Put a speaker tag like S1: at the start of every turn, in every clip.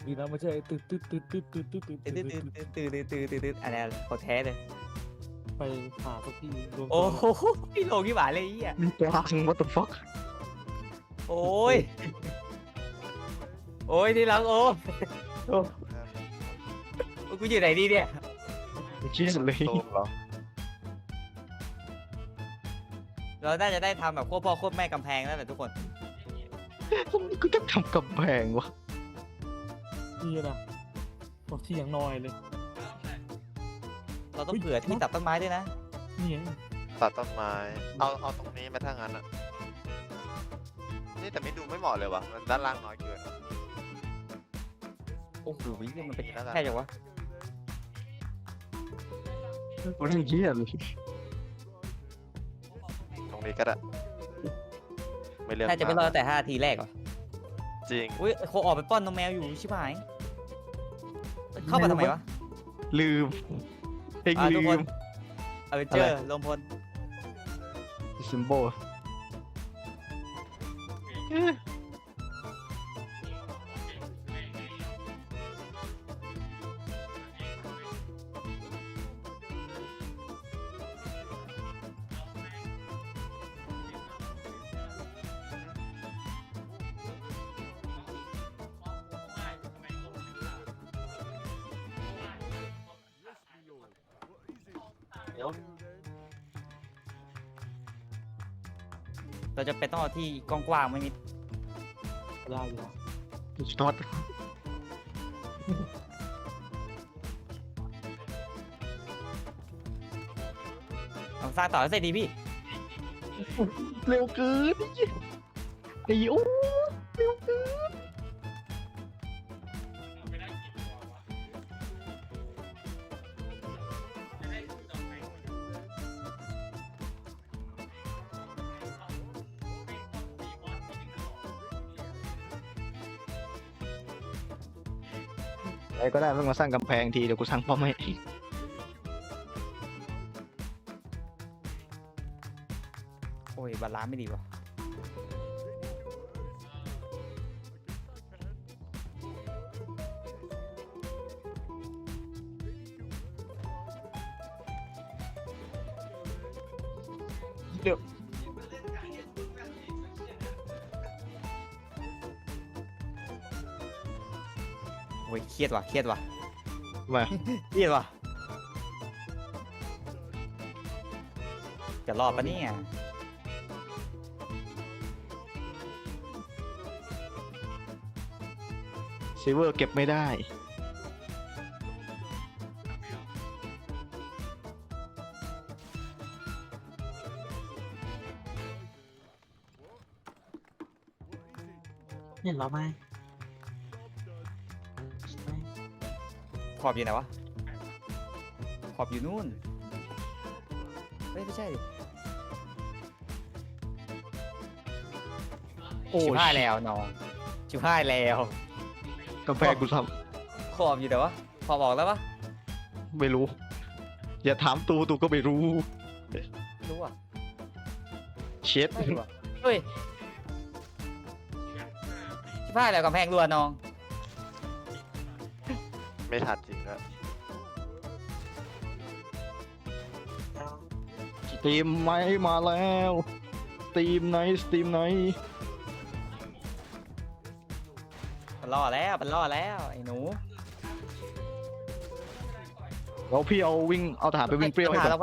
S1: ดีนะไม่ใช่ตืดตืดตืดตืดตืดตืดตืด
S2: ตื่น
S1: ตื
S2: ตื่น
S1: ด
S2: ตื่นตื่นตื่นตื่นตื่นอะไรของแท้เลย
S1: ไปหาสักที่รวม
S2: โอ้
S1: ตัว
S2: โหพี่โลกี่บาทเลยไอ้เหี้ย
S3: มีกลาง what the fuck
S2: โอ้ยโอ้ยที่รักโอ้กูอยู่ไหนดีเนี่ย
S3: ไม่คิดเลย
S4: โตมเหรอ
S2: เราน่าจะได้ทำแบบควบพ่อควบแม่กำแพงแล้วแหละทุกคน
S3: กูต้องทำกำแพงวะ
S1: นี่นะบอกที่อย่างน้อยเลย
S2: เราต้องเผื่อที่ตัดต้นไม้ด้วยนะ
S1: นี่ไง
S4: ตัดต้นไม้ เอาตรงนี้มาถ้างั้นอ่ะ นี่แต่ไม่ดูไม่เหมาะเลยวะมันด้านล่างน้อยเกิน
S2: โอ้โหมันเป็น
S4: แล้วกัน
S2: แค่จังวะ
S3: กูนั่งเหี้ยเลย
S4: ตรงนี้ก็ได้ไม่เลือก
S2: น่าจะไม่รอดแต่5 นาทีแรกเหรอ
S4: จริง
S2: อุ้ยโคออกไปป้อนนมแมวอยู่ชิบหายเข้ามาทำไมวะ
S3: ลืมเอง
S2: ทุ
S3: ลื
S2: กคน
S3: ม
S2: เจอลมพล
S3: ซิมโบล
S2: เราจะไปต้องเอาที่กว้างๆไม่มี
S1: ได้อยู่แล้ว
S3: น็อต
S2: เอาสร้างต่อให้เสร็จดีพี่
S3: เร็วเกินไอ้โอ้เร็วเกิน อะไรก็ได้ไม่มาสร้างกำแพงทีเดี๋ยวกูสร้างป้อมให้
S2: โอ้ยบาลานซ์ไม่ดีว่ะ
S3: เดี๋ยว
S2: โอ้ยเครียดว่ะเครียดว่ะ
S3: มา
S2: เครียดว่ะจะรอดปะเนี่ย
S3: ซิเวอร์เก็บไม่ได้
S1: เห็นเราไหม
S2: ขอบอยู่ไหนวะขอบอยู่นู่นเฮ้ยไม่ใช่ดิ
S3: โอ้
S2: ชิบหายแล้วน้องชิบหายแล้ว
S3: กำแพงกูท
S2: ขอบอยู่แต่วะขอบออกแล้วปะ
S3: ำไม่รู้ อย่าถามตูก็ไม่รู้
S2: รู้อ่ะ
S3: เช็ด
S2: ไม่รู้อ่ะเฮ้ยชิบหายแล้วกำแพงรัวน้อง
S4: ไม่ทันจริงก็
S3: สตรีมไหมมาแล้วสตรีมไหนสตรีมไหน
S2: มันล่อแล้วมันล่อแล้วไอ้หนู
S3: เราพี่เอาวิ่งเอาทหารไปวิ่งเปรี้ยวให้
S2: หา
S3: ก่อ
S2: เรา
S3: น
S2: ไป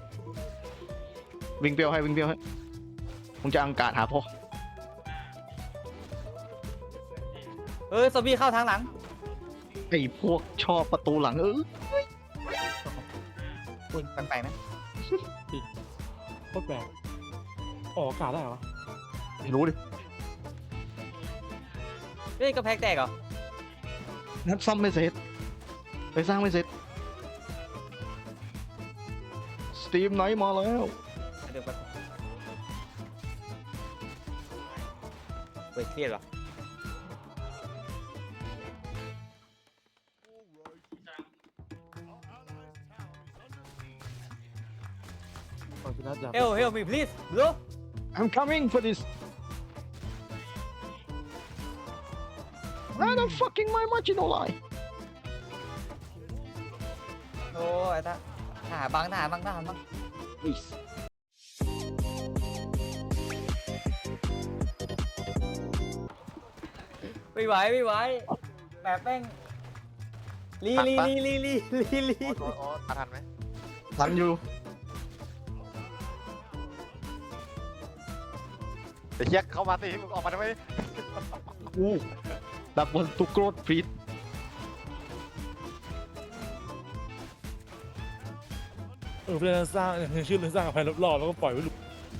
S3: วิ่งเปรี้ยวให้มึงจะอังการหาพ่อ
S2: เฮ้ยซอมบี้เข้าทางหลัง
S3: ไอ้พวกชอบประตูหลัง
S2: คุณแปลกๆนะ
S1: โคตรแปลกออกอากาศได้เหรอ
S3: ไม่รู้ดิ
S2: เฮ้ยกำแพงแตกเหรอ
S3: นัดซ่อมไม่เสร็จไปสร้างไม่เสร็จสตรีมไหนมาแล้ว
S2: เดี๋ยวไปเฮ้ยเครียดเหรอ
S1: ก่อนจะนัดอยาก
S2: Help me please bro
S3: I'm coming for this and I'm fucking my marginal line
S2: โอ้ยทหารบังทหารบังทหารบัง
S3: please
S2: ไม่ไหวไม่ไหวแบบแม่งลี
S4: โอ้ทันไหม
S3: ทันอยู่
S4: ไอ้เหี้ยเข้ามาสิมึงออกมาทำไม
S3: that was too close please
S1: เพื่อนสร้างชื่อเรื่องสร้างอภัยรอบๆแล้วก็ปล่อยไว้หลุด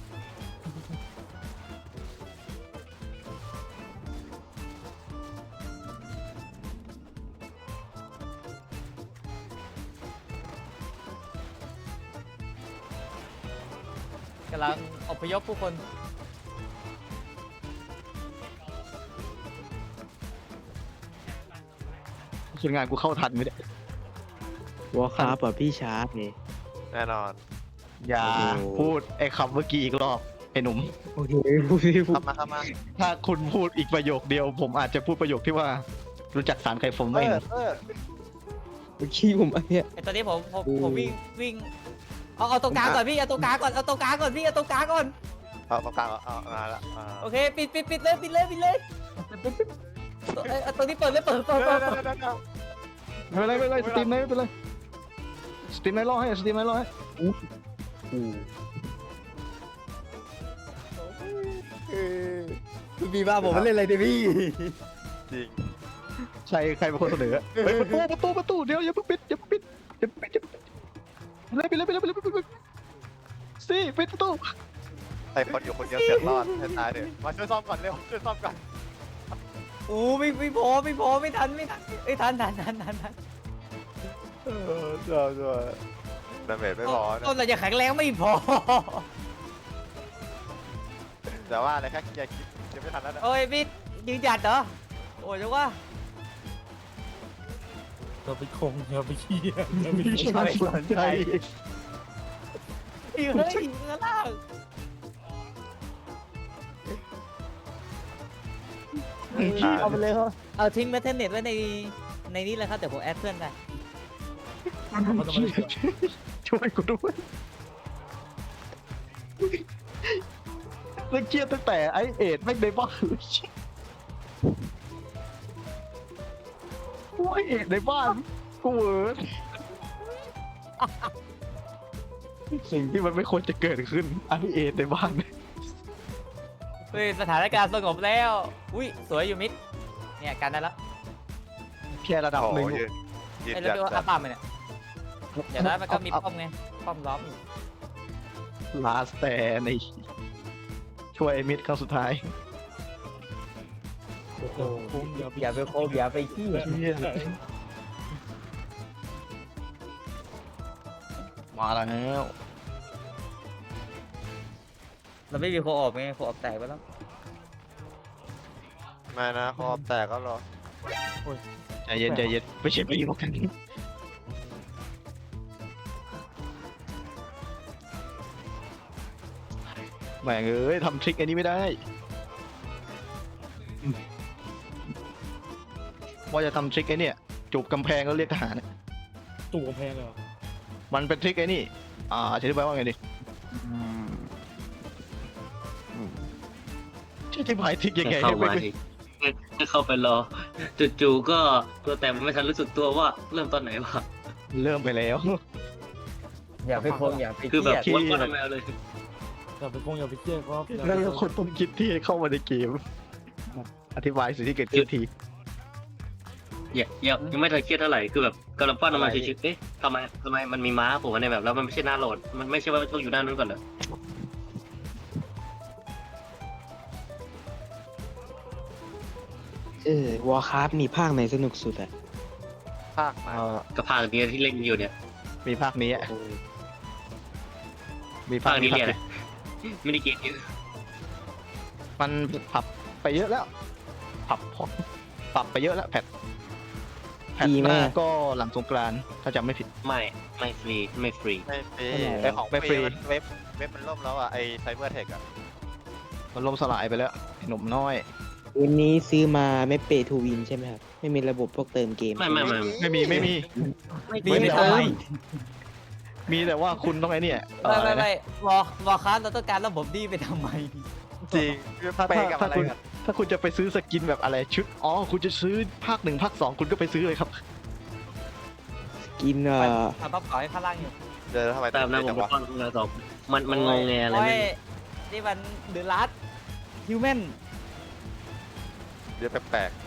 S2: กำลังอพยพผู้คน
S3: ส่วนงานกูเข้าทันไหมเนี่ยว
S5: อลคราฟอ่ะพี่ชาร์ปนี่
S4: แน่นอน
S3: อย่า
S5: โอ้โห
S3: พูดไอ้คำเมื่อกี้อีกรอบไอ้หนุ่ม
S5: โอเคพูดพี่พูด
S4: เข้ามา
S3: ถ้าคุณพูดอีกประโยคเดียว ผมอาจจะพูดประโยคที่ว่า รู้จักสารไข่ฟมไหม
S5: เมื่อกี้ผมอันเนี้ย
S2: ไอตอนนี้ผมวิ่งเอาตรงกลางก่อนพี่เอาตรงกลางก่อนเอาตรงกลางก่อนพี่เอาตรงกลางก่อน
S4: เอาตรงกลางเอามาละ
S2: โอเคปิดเลยเอาตรงนี้เปิดเลยเปิด
S3: ไม่เป็นไรสตรีมไหนไม่เป็นไรสตรีมไหนรอให้สตรีมไหนรอให้
S2: พี่บ้าผมมันเล่นอะไรเนี่ยพี่
S4: จริง
S3: ใช่ใครเป็นคนเสนอเฮ้ยประตูเดี๋ยวอย่าเพิ่งปิดเลยไปเลยสิปิดประตู
S4: ไอ้คนอยู่คนเดียวเสียรอดให้ตายเดี๋ยวมาช่วยซ่อมก่อนเร็วช่วยซ่อมก่อน
S2: โอ้ไม่พอไม่ทันเอ้ยทัน
S4: ช่วยดาเมจไม่พอนะ
S2: ต้นเราจะแข็งแรงไม่พอ
S4: แต่ว่าอะไรแค่เคลียร์คลิปยังไม่ทันแล้วนะ
S2: โอ้ยพี่ยืนหยัดเหรอโอ้ยจังว่า
S1: เราไปคงเราไปเคียเราไป
S3: ใช่ใช่
S2: เฮ้ยข้างล่าง เอาไปเลยครับเอาทิ้งแมทเทนเน็ตไว้ในนี้เลยครับเดี๋ยวผมแอดเพื่อนไป
S3: ช่วยกูด้วยแล้วเครียดตั้งแต่ไอเอ็ดแม่งในบ้านกูไอเอ็ดในบ้านกูเวิร์ดสิ่งที่มันไม่ควรจะเกิดขึ้นไอเอ็ดในบ้าน
S2: เฮ้ยสถานการณ์สงบแล้วอุ้ยสวยอยู่มิดเนี่ยกันได้แล้ว
S3: แค่ระดับ
S4: โอ้
S3: หนึ่ง
S4: ยืน
S2: ไอ้
S4: จั
S2: เรา
S4: ด
S2: ดูอาปามเนี่ยเดี๋ยวนั้นมันก็มีป้อมไงป้อมล้อมอยู่
S3: ลาสแต่ในช่วยไอ้มิดครั้งสุดท้าย
S1: โอ้โหอย่าไป
S2: อย่าไปโคบอย่าไปขี้
S3: มาแล้ว
S2: เราไม่มีโคออกไงโคออกแตกไปแล้ว
S4: ไม่นะคอแตกก็รอ
S3: ใจเย็นไม่ใช่ปีหรอกกันแหม่งเอ้ยทำทริคอันนี้ไม่ได้ว่าจะทำทริคไอ้เนี่ยจูบกำแพงแล้วเรียกทหาร
S1: ตู่กำแพงเลยเหรอ
S3: มันเป็นทริคไอ้นี่อธิบายว่าไงดิอธิบายทริคยังไง
S5: เข้า
S3: ให้
S5: มา
S3: ไม่
S5: ดิให้เข้าไปรอจู่ๆก็ตัวแต่มันไม่ทันรู้สึกตัวว่าเริ่มตอนไหนวะ
S3: เริ่มไปแล้ว
S2: อย่าไปโคบอย่าไป
S5: คือแบบ
S2: ขี้
S5: วัดว่าทำไมเอาเลย
S1: อย่าไปคงอย่าไปเครียดเพราะ
S3: แล้วคนต้นคิดที่เข้ามาในเกม อธิบายสิ่งที่เกิดขึ้นที
S5: ยังไม่ทันเครียดเท่าไหร่คือแบบกำลังปั้นออกมาชิวๆเอ๊ะทำไมมันมีม้าผมในแบบแล้วมันไม่ใช่หน้าโหลดมันไม่ใช่ว่าต้องอยู่ด้านนู้นก่อนเหรอ
S6: วอลคราฟมีภาคไหนสนุกสุดอะ
S4: ภาคมา
S5: กับภาคนี้ที่เล่นอยู่เนี่ย
S3: มีภาคนี้อะมี
S5: ภาคนี้เนี่ยนะไม่ได้เกมเยอะ
S3: มันปรับไปเยอะแล้วปรับไปเยอะแล้วแพทหน้าก็หลังสงกรานต์ถ้าจำไม่ผิด
S5: ไม่ฟรี
S4: ไม่ฟรีไอของ
S3: ไม่
S4: ฟ
S3: ฟรี
S4: รีมันเว็บมันล่มแล้วอ่ะไอไซเบอร์เทคอ่ะ
S3: มันล่มสลายไปแล้วไอ้หนุ่มน้อย
S6: วันนี้ซื้อมาไม่เปทูวินใช่ไหมครับ ไม่มีระบบพวกเติมเกม
S5: ไม่
S3: ไม่มีไม่มี
S2: ดี
S3: ไม่
S2: ไป
S3: มี
S2: ทำไม
S3: มีแต่ว่าคุณต้องไอ้เนี่ย
S2: ไม่วอลคราฟเราต้องการระบบดีไปทำไม
S4: จริง
S3: ถ้า
S4: ไปกับอะไร
S3: คุณ
S4: กัน
S3: ถ้าคุณจะไปซื้อสกินแบบอะไรชุดอ๋อคุณจะซื้อภาค 1 ภาค 2 คุณก็ไปซื้อเลยครับ
S6: กิน
S2: ทำบัฟขอให้ข้างล่างอยู่
S4: เดี๋ยวทำไม
S5: ตามนะ
S4: เย
S5: ผม
S4: จัง
S5: ไป
S4: วะ
S5: ป้อนคุณตอบมันงงแงอะไร
S2: โอ้
S5: ไม่
S2: ยนี่มันเดือดรัดฮิวแมน
S4: เดี๋ยวแปลก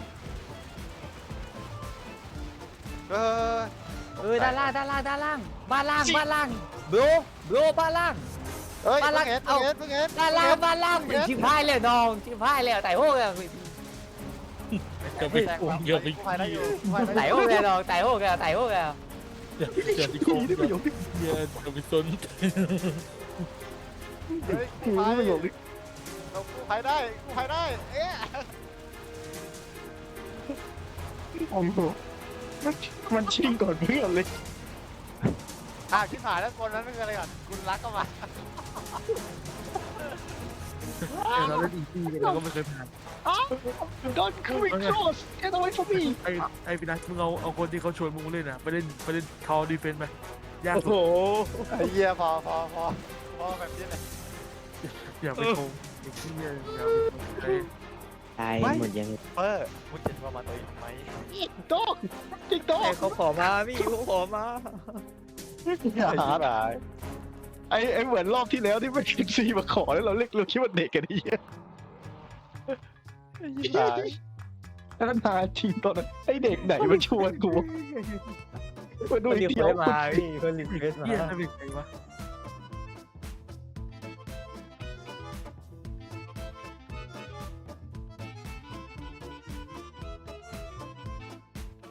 S4: ๆ
S2: ด้านล่างบ้านล่างบ้านล่างบรบ้านล่าง
S4: เฮ้ย
S2: บ้านล่าง
S4: เพิ่ง
S2: เอา
S4: เห็น
S2: บ้านล่างชิบหายเลยน้องชิบหายเลยไต่โหกเลย
S1: จะไปโกงเยอะไป
S4: กูพายได้อยู่กูพายได้
S2: ไต่
S4: อ
S2: โห
S4: ยู่
S2: กเลยน้องไต่โหกเลยไต่โหกเลย
S1: อย่าไปโกงเยอะจะไปสน
S4: เฮ้ยกูพายเรากูพายได้กูพายได้เอ๊ะ
S3: โอ้โหมันชิงก่อนเพื่อนเลย
S4: ชิบหายแล้วคนนั้นคืออะไรก่อนคุณรักก็มา
S1: เราเล่นอีซี่เราก็ไม่เคยผ่าน
S3: Don't come across get away from me
S1: ไอ้พี่นัทมึงเอาคนที่เขาชวนมึงเล่นอ่ะไปเล่นคอดีเฟนต์ไปยาก
S6: โอ้โห
S1: สุด
S4: ไอ้เหี้ยพอแบบนี้เลย
S1: อย่าไปโกงไอ้เหี้ยอย่าไป
S6: ตายหมดยัง
S4: เปอร์มึงเจ็บประมาณตัวเองไหม
S3: ดอกจิกดอก
S2: เขาขอมาพี่เขาขอมา
S4: อย่าหาได้
S3: ไอ้เหมือนรอบที่แล้วที่ไม่คิดซีมาขอแล้วเราเรียกเราคิดว่าเด็กกันไอ้เหี้ย
S4: ตาย
S3: แล้วนาจริงตอนนั้นไอ้เด็กไหนมาชวนกูมาดู
S2: คน
S3: อี
S2: รี
S3: ก
S2: เคว
S3: เดียว
S2: สมาพี่คนรีเควสมา
S1: เหี้ยจะเป็นไงวะ